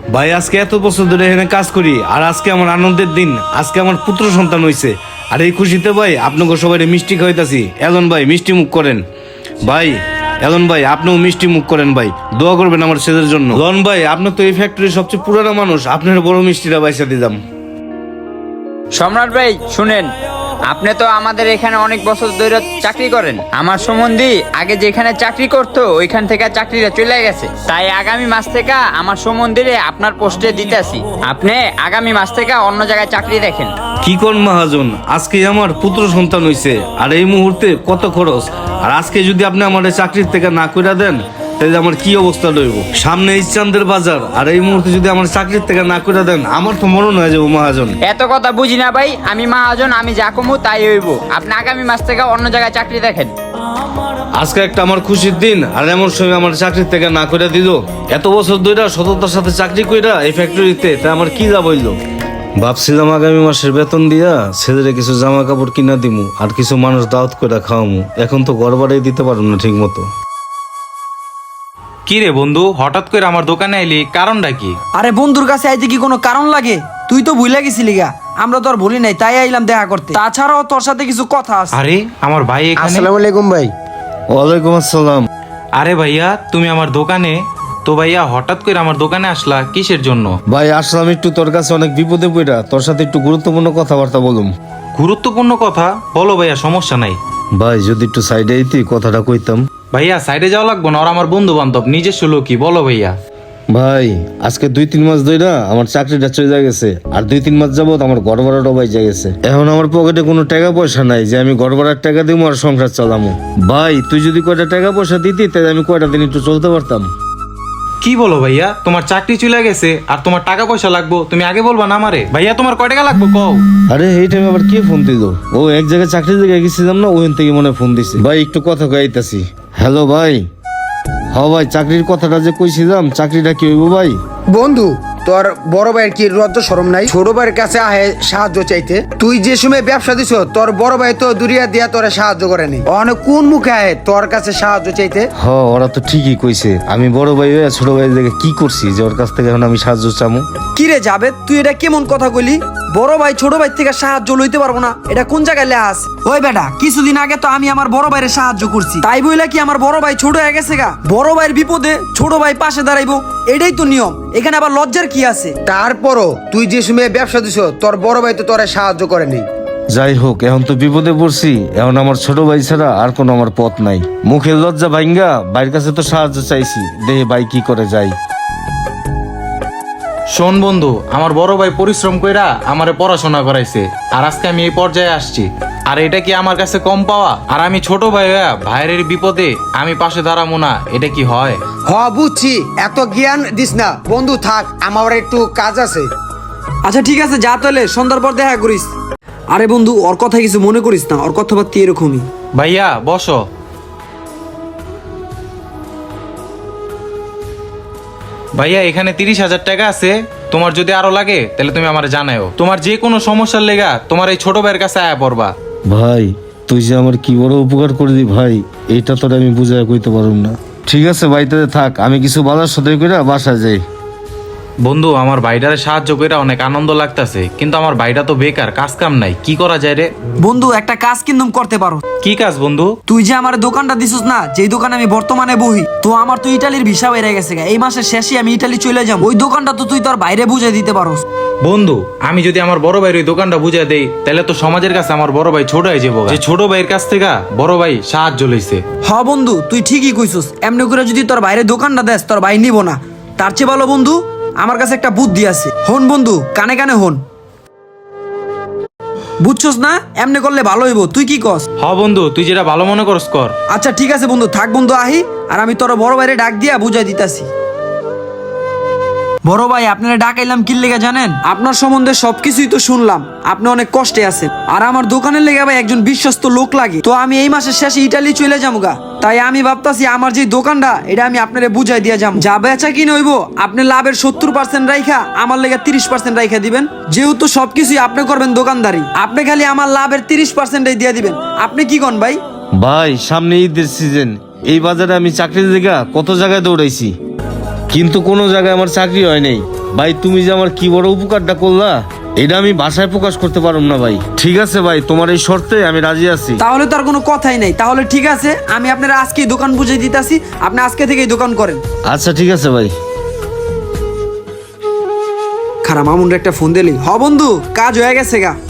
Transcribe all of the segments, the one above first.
ভাই আজকে এত বছর ধরে এখানে কাজ করি, আর আজকে আমার আনন্দের দিন। আজকে আমার পুত্র সন্তান হইছে, আর এই খুশিতে ভাই আপনাকে সবাই মিষ্টি খাইতাছি। এলন ভাই মিষ্টি মুখ করেন ভাই। এলন ভাই আপনিও মিষ্টি মুখ করেন ভাই, দোয়া করবেন আমার ছেলের জন্য। লন ভাই আপনি তো এই ফ্যাক্টরির সবচেয়ে পুরানো মানুষ, আপনার বড় মিষ্টিটা বাইসা দিলাম। সম্রাট ভাই শুনেন, আপনি তো আমাদের এখানে অনেক বছর ধরে চাকরি করেন। আমার সম্বন্ধী আগে যেখানে চাকরি করতো ওইখান থেকে চাকরিটা চলে গেছে, তাই আগামী মাস থেকে আমার সম্বন্ধীরে আপনার পোস্টে দিতেছি। আপনি আগামী মাস থেকে অন্য জায়গায় চাকরি দেখেন। কি কোন মহাজন, আজকে আমার পুত্র সন্তান হইছে, আর এই মুহূর্তে কত খরচ। আর আজকে যদি আপনি আমার চাকরির থেকে না কইরা দেন তাহলে আমার কি অবস্থা রইব। সামনে ইস্টানদের বাজার, আর এই মুহূর্তে যদি আমার চাকরির থেকে না কইরা দেন আমার তো মরণ হয়ে যাবো মহাজন। এত কথা বুঝি না ভাই, আমি মহাজন, আমি যা কমু তাই হইব। আপনি আগামী মাস থেকে অন্য জায়গায় চাকরি দেখেন। আজকে একটা আমার খুশির দিন, আর এমন সময় আমার চাকরির থেকে না কইরা দিল। এত বছর ধরে সততার সাথে চাকরি কইরা এই ফ্যাক্টরিতে, তা আমার কি লাভ হইল। ভাবছিলাম আগামী মাসের বেতন দিয়া ছেলেরে কিছু জামা কাপড় কিনা দিমু, আর কিছু মানুষ দাওয়াত করে খাওয়ামু। এখন তো ঘর বাড়ি দিতে পারবো না ঠিক মতো। কি রে বন্ধু, হঠাৎ করে আমার দোকানে আইলি, কারণটা কি? আরে বন্ধুর কাছে আইতে কি কোনো কারণ লাগে? তুই তো ভুলে গেছিলি গা, আমরা তো আর ভুলি নাই, তাই আইলাম দেখা করতে। তাছাড়াও তোর সাথে কিছু কথা আছে। আরে আমার ভাই এখানে। আসসালামু আলাইকুম ভাই। ওয়ালাইকুম আসসালাম। আরে ভাইয়া তুমি আমার দোকানে, তো ভাইয়া হঠাৎ করে আমার দোকানে আসলা কিসের জন্য? ভাই আসলাম একটু তোর কাছে অনেক বিপদে পড়া, তোর সাথে একটু গুরুত্বপূর্ণ কথাবার্তা বলুম। গুরুত্বপূর্ণ কথা বলো ভাইয়া, সমস্যা নাই। ভাই যদি একটু সাইডে আইতি কথাটা কইতাম। ভাইয়া সাইডে যাওয়া লাগবো না, ওরা আমার বন্ধু বান্ধব, নিজস্ব লোকই, বলো ভাইয়া। ভাই আজকে 2-3 মাস ধরে আমার চাকরিটা চলে গেছে, আর 2-3 মাস যাবত আমার ঘর ভাড়াটাও বাইজা গেছে। এখন আমার পকেটে কোনো টাকা পয়সা নাই যে আমি ঘর ভাড়ার টাকা দিব আর সংসার চালামু। ভাই তুই যদি কয়টা টাকা পয়সা দিতি তাহলে আমি কয়টা দিন একটু চলতে পারতাম। কি বলো ভাইয়া, তোমার চাকরি চলে গেছে আর তোমার টাকা পয়সা লাগবো, তুমি আগে বলবা না আমারে? ভাইয়া তোমার কয় টাকা লাগবো কও? আরে এই টাইমে আবার কে ফোন দিল? ও এক জায়গায় চাকরির জায়গায় গেছিলাম না, ওখান থেকে মনে ফোন দিছে। ভাই একটু কথা কইতাছি। হ্যালো ভাই। হ্যাঁ ভাই চাকরির কথাটা যে কইছিলাম, চাকরিটা কি হইব ভাই? বন্ধু তোর বড় ভাইয়ের কি লজ্জা শরম নাই? ছোট ভাইয়ের কাছে আহে সাহায্য চাইতে। তুই যে সময় ব্যবসা দিছ তোর বড় ভাই তো দুরিয়া দিয়া তোরে সাহায্য করেনি। অনেক কোন মুখে আহে তোর কাছে সাহায্য চাইতে? হ্যাঁ ওরা তো ঠিকই কইছে, আমি বড় ভাই হয়ে ছোট ভাইয়ের জায়গায় কি করছি যে ওর কাছ থেকে এখন আমি সাহায্য চামু? কি রে যাবে, তুই এটা কেমন কথা কইলি? বড় ভাই ছোট ভাই থেকে সাহায্য লইতে পারবো না, এটা কোন জায়গায় লেখা আছে? ওই বেটা, কিছুদিন আগে তো আমি আমার বড় ভাইয়ের সাহায্য করছি, তাই বইলা কি আমার বড় ভাই ছোট হয়ে গেছে গা? বড় ভাইয়ের বিপদে ছোট ভাই পাশে দাঁড়াইবো, এটাই তো নিয়ম। এখানে আবার লজ্জার কি আছে? তারপরও তুই যে সময় ব্যবসা দিছ তোর বড় ভাই তো তোরে সাহায্য করেনি। যাই হোক এখন তো বিপদে পড়ছি, এখন আমার ছোট ভাই ছাড়া আর কোনো আমার পথ নাই। মুখের লজ্জা ভাঙ্গা ভাইয়ের কাছে তো সাহায্য চাইছি, দেখে ভাই কি করে যায়। শোন বন্ধু, আমার বড় ভাই পরিশ্রম কইরা আমারে পড়াশোনা করাইছে, আর আজকে আমি এই পর্যায়ে আসছি। আর এটা কি আমার কাছে কম পাওয়া? আর আমি ছোট ভাই হইয়া ভাইয়ের বিপদে আমি পাশে দাঁড়াবো না, এটা কি হয়? বুঝছি, এত জ্ঞান দিস না বন্ধু, থাক আমার একটু কাজ আছে। আচ্ছা ঠিক আছে, যা তাহলে সন্ধ্যার পর দেখা করিস। আরে বন্ধু, ওর কথা কিছু মনে করিস না, ওর কথাবার্তা এরকমই। ভাইয়া বসো। ভাইয়া এখানে 30,000 টাকা আছে, তোমার যদি আরো লাগে তাহলে তুমি আমার জানাও। তোমার যে কোনো সমস্যার লেগা তোমার এই ছোট ভাইয়ের কাছে আয়া পড়বা। ভাই তুই যে আমার কি বড় উপকার করলি ভাই, এইটা তোর আমি বুঝায় কইতে পারুম না। ঠিক আছে ভাই তাহলে থাক, আমি কিছু বাজার সদাই করে বাসায় যাই। বন্ধু আমার ভাইটারে সাহায্য করে অনেক আনন্দ লাগতাছে, কিন্তু আমার ভাইটা তো বেকার, কাজ কাম নাই, কি করা যায় রে? বন্ধু একটা কাজ কিন্তু করতে পারো। কি কাজ বন্ধু? তুই যে আমার দোকানটা দিছিস না, যেই দোকানে আমি বর্তমানে বহি, তো আমার তো ইটালির ভিসা বেড়ে গেছে গা। এই মাসের শেষে আমি ইটালি চলে যাব। ওই দোকানটা তো তুই তোর বাইরে বুঝে দিতে পারোস। বন্ধু আমি যদি আমার বড় ভাইয়ের ওই দোকানটা বুঝাই দেই তাহলে তো সমাজের কাছে আমার বড় ভাই ছোট হয়ে যাবো, যে ছোট ভাইয়ের কাছ থেকে বড় ভাই সাহায্য লইছে। হ বন্ধু তুই ঠিকই কইছিস, এমনি করে যদি তোর বাইরে দোকানটা দেস তোর ভাই নিব না। তার চেয়ে ভালো বন্ধু আমার কাছে একটা বুদ্ধি আছে। হন বন্ধু, কানে কানে হন। বুঝছস না, এমনি করলে ভালো হইব, তুই কি কস? হ বন্ধু তুই যেটা ভালো মনে করস কর। আচ্ছা ঠিক আছে বন্ধু, থাক বন্ধু আহি, আর আমি তোর বড় ভাইরে ডাক দিয়া বুঝাই দিতাছি। বড় ভাই আপনারা ডাকাইলাম কি লেগে জানেন? আপনার সম্বন্ধে সবকিছুই তো শুনলাম, আপনি অনেক কষ্টে আছেন, আর আমার দোকানের লেগে ভাই একজন বিশ্বস্ত লোক লাগে। তো আমি এই মাসের শেষে ইটালি চলে যাবো গা, তাই আমি ভাবতাছি আমার যে দোকানটা এটা আমি আপনারে বুঝাই দিয়া যাবো। যা বেচা কিনে হইব আপনি লাভের 70% রাইখা আমার লেগে 30% রাইখা দিবেন। যেহেতু সবকিছুই আপনি করবেন দোকানদারি, আপনি খালি আমার লাভের 30%ই দিয়ে দিবেন। আপনি কি কন ভাই? ভাই সামনে ঈদের সিজন, এই বাজারে আমি চাকরির জায়গা কত জায়গায় দৌড়াইছি, কিন্তু কোনো জায়গায় আমার চাকরি হয় নাই। ভাই তুমি যে আমার কি বড় উপকারটা করলা এটা আমি ভাষায় প্রকাশ করতে পারব না ভাই। ঠিক আছে ভাই, তোমার এই শর্তে আমি রাজি আছি। তাহলে তো আর কোনো কথাই নাই। তাহলে ঠিক আছে, আমি আপনার আজকেই দোকান বুঝিয়ে দিতেছি, আপনি আজকে থেকেই দোকান করেন। আচ্ছা ঠিক আছে ভাই। খারাপ মামুন একটা ফোন দিলি। হ বন্ধু, কাজ হয়ে গেছে গা।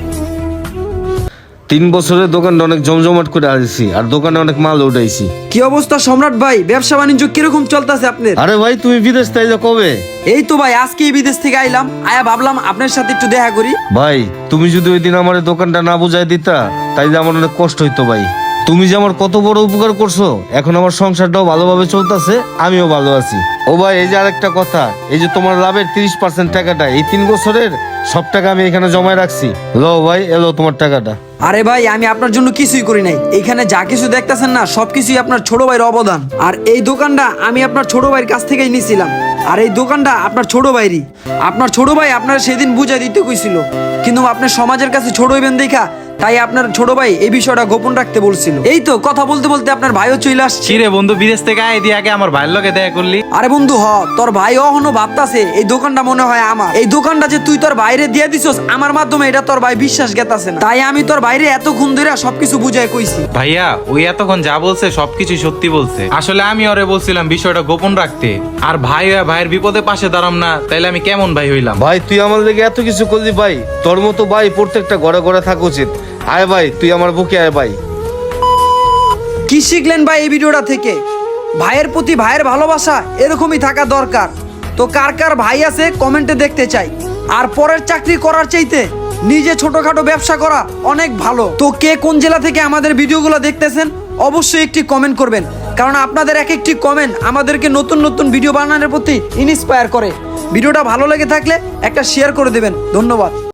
3 বছরের দোকানটা অনেক জমজমাট করে আসছি, আর দোকানে অনেক মাল উঠাইছি। কি অবস্থা সম্রাট ভাই, ব্যবসা বাণিজ্য কিরকম চলতেছে আপনার? আরে ভাই তুমি বিদেশ তাই কবে? এই তো ভাই আজকেই বিদেশ থেকে আইলাম, আয়া ভাবলাম আপনার সাথে একটু দেখা করি। ভাই তুমি যদি ওই দিন আমার এই দোকানটা না বুঝাই দিতা তাইলে আমার অনেক কষ্ট হইতো ভাই। তুমি যে আমার কত বড় উপকার করছো, এখন আমার সংসারটাও ভালোভাবে চলতেছে, আমিও ভালো আছি। ও ভাই এই যে আরেকটা কথা, এই যে তোমার লাভের 30% টাকাটা এই 3 বছরের সব টাকা আমি এখানে জমায় রাখছি। লো ভাই, এলো তোমার টাকাটা। আরে ভাই আমি আপনার জন্য কিছুই করি নাই, এখানে যা কিছু দেখতেছেন না সবকিছুই আপনার ছোট ভাইয়ের অবদান। আর এই দোকানটা আমি আপনার ছোট ভাইয়ের কাছ থেকেই নিয়েছিলাম, আর এই দোকানটা আপনার ছোট ভাইরই। আপনার ছোট ভাই আপনার সেদিন বুঝাই দিতে কইছিল, কিন্তু আপনার সমাজের কাছে ছোট হইবেন দেখা তাই আপনার ছোট ভাই এই বিষয়টা গোপন রাখতে বলছিল। এই তো কথা বলতে বলতে আপনার ভাইও চলে আসছে। চিরে বন্ধু, বিদেশ থেকে আয় দিয়ে আগে আমার ভাইয়ের লগে দেখা করলি। আরে বন্ধু তোর ভাই অহনো ভাবতাছে এই দোকানটা মনে হয় আমার। এই দোকানটা যে তুই তোর বাইরে দিয়ে দিছস আমার মাধ্যমে, এটা তোর ভাই বিশ্বাস গেতাছে না। তাই আমি তোর বাইরে এতক্ষণ ধরে সবকিছু বুঝাই কইছি। ভাইয়া ওই এতক্ষণ যা বলছে সবকিছু সত্যি বলছে। আসলে আমি ওরে বলছিলাম বিষয়টা গোপন রাখতে, আর ভাইয়ের বিপদে পাশে দাঁড়াম না, তাইলে আমি কেমন ভাই হইলাম? ভাই তুই আমার লেগে এত কিছু করলি ভাই, তোর মতো ভাই প্রত্যেকটা ঘরে ঘরে থাকা উচিত। আয় ভাই, তুই আমার বুকে আয় ভাই। কি শিখলেন ভাই এই ভিডিওটা থেকে? ভাইয়ের প্রতি ভাইয়ের ভালোবাসা এরকমই থাকা দরকার। তো কার কার ভাই আছে কমেন্টে দেখতে চাই। আর পরের চাকরি করার চাইতে নিজে ছোটখাটো ব্যবসা করা অনেক ভালো। তো কে কোন জেলা থেকে আমাদের ভিডিওগুলো দেখতেছেন অবশ্যই একটি কমেন্ট করবেন, কারণ আপনাদের এক একটি কমেন্ট আমাদেরকে নতুন নতুন ভিডিও বানানোর প্রতি ইন্সপায়ার করে। ভিডিওটা ভালো লেগে থাকলে একটা শেয়ার করে দেবেন। ধন্যবাদ।